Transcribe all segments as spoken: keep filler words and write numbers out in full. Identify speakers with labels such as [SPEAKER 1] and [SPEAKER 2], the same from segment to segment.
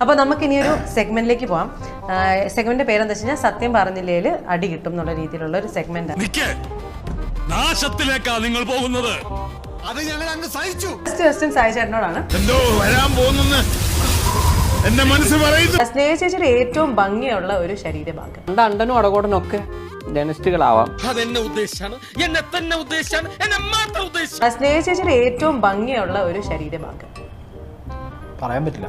[SPEAKER 1] അപ്പോൾ നമുക്ക് ഇനി ഒരു സെഗ്മെന്റിലേക്ക് പോവാം. സെഗ്മെന്റ് പേരെന്താ വെച്ച് കഴിഞ്ഞാൽ സത്യം പറഞ്ഞില്ലേൽ അടി കിട്ടും എന്നുള്ള രീതിയിലുള്ള ഒരു സെഗ്മെന്റ്.
[SPEAKER 2] നാശത്തിലേക്കാ നിങ്ങൾ പോകുന്നത്.
[SPEAKER 1] ഫസ്റ്റ് ക്വസ്റ്റ്യൻ സായി ചേട്ടനോടാണ്.
[SPEAKER 2] എന്തോ വരാൻ പോകുന്നെന്ന് എന്റെ മനസ്സ് പറയുന്നു.
[SPEAKER 1] സ്നേഹ ചേച്ചിയുടെ ഏറ്റവും ഭംഗിയുള്ള ഒരു ശരീരഭാഗം.
[SPEAKER 3] അണ്ടനും അടകോടനും ഒക്കെ ജനസ്റ്റുകളാവാം.
[SPEAKER 2] അതെന്നെ ഉദ്ദേശാണ്, എന്നെ തന്നെ ഉദ്ദേശാണ്, എന്നെ മാത്രം ഉദ്ദേശിച്ചാണ്.
[SPEAKER 1] സ്നേഹ ചേച്ചിയുടെ ഏറ്റവും ഭംഗിയുള്ള ഒരു ശരീരഭാഗം
[SPEAKER 4] പറയാൻ പറ്റില്ല.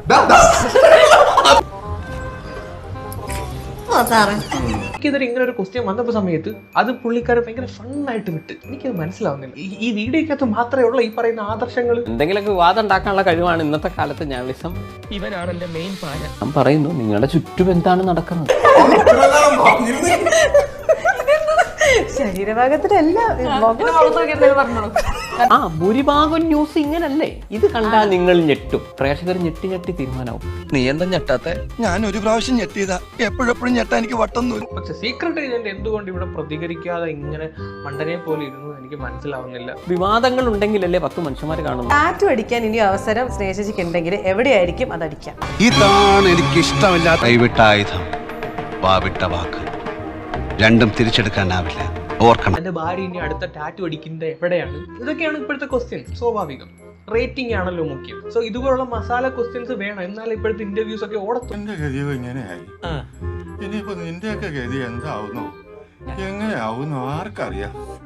[SPEAKER 4] എനിക്കിതൊരു ഇങ്ങനെ ഒരു ക്വസ്റ്റ്യൻ വന്നപ്പോ സമയത്ത് അത് പുള്ളിക്കാരൻ ഭയങ്കര ഫണ്ണായിട്ട് വിട്ട്. എനിക്കത് മനസ്സിലാവുന്നില്ല. ഈ വീഡിയോക്കകത്ത് മാത്രമേ ഉള്ള ഈ പറയുന്ന ആദർശങ്ങൾ.
[SPEAKER 3] എന്തെങ്കിലുമൊക്കെ വിവാദം ഉണ്ടാക്കാനുള്ള കഴിവാണ് ഇന്നത്തെ കാലത്ത് ജേർണലിസം.
[SPEAKER 2] ഇവനാണ് എന്റെ മെയിൻ പാര.
[SPEAKER 3] ഞാൻ പറയുന്നു, നിങ്ങളുടെ ചുറ്റും എന്താണ് നടക്കുന്നത്?
[SPEAKER 1] ശരീരഭാഗത്തിന്റെ എല്ലാ
[SPEAKER 3] ആ ഭൂരിഭാഗം ന്യൂസ് ഇങ്ങനല്ലേ? ഇത് കണ്ടാൽ നിങ്ങൾ ഞെട്ടും. പ്രേക്ഷകർ ഞെട്ടി ഞെട്ടി തീരുമാനമാവും.
[SPEAKER 5] നീ എന്താ ഞെട്ടാത്തെ? ഞാൻ ഒരു പ്രാവശ്യം ഞെട്ടിയതാ, എപ്പോഴെപ്പോഴും ഞെട്ടാ എനിക്ക് വട്ടൊന്നും.
[SPEAKER 4] പക്ഷെ സീക്രട്ട് ഏജന്റ് എന്തുകൊണ്ട് ഇവിടെ പ്രതികരിക്കാതെ ഇങ്ങനെ മണ്ടനെ പോലെ ഇരുന്നു എനിക്ക് മനസ്സിലാവുന്നില്ല.
[SPEAKER 3] വിവാദങ്ങൾ ഉണ്ടെങ്കിലല്ലേ പത്ത് മനുഷ്യന്മാർ കാണുന്നു.
[SPEAKER 1] ടാറ്റു അടിക്കാൻ ഇനി അവസരം സ്നേഹിച്ചിക്ക് ഉണ്ടെങ്കിൽ എവിടെയായിരിക്കും അത് അടിക്കാം?
[SPEAKER 5] ഇതാണ് എനിക്ക് ഇഷ്ടമില്ലാത്ത കൈവിട്ട ആയുധം, വാവിട്ട വാക്ക്. രണ്ടും തിരിച്ചെടുക്കാനാവില്ല, ഓർക്കണം.
[SPEAKER 4] എന്റെ ഭാര്യ ഇനി അടുത്ത ടാറ്റു അടിക്കുന്നത് എവിടെയാണ്? ഇതൊക്കെയാണ് ഇപ്പോഴത്തെ ക്വസ്റ്റ്യൻ. സ്വാഭാവികം. റേറ്റിംഗ് ആണല്ലോ മുഖ്യം. സോ ഇതുപോലുള്ള മസാല ക്വസ്റ്റ്യൻസ് വേണം, എന്നാലും ഇപ്പോഴത്തെ ഇന്റർവ്യൂസ് ഒക്കെ ഓടത്തും.
[SPEAKER 6] എന്റെ ഗതിയോ ഇങ്ങനെയായി. ഇനിയിപ്പോ നിന്റെയൊക്കെ ഗതി എന്താവുന്നു, എങ്ങനെയാവുന്നു ആർക്കറിയാം.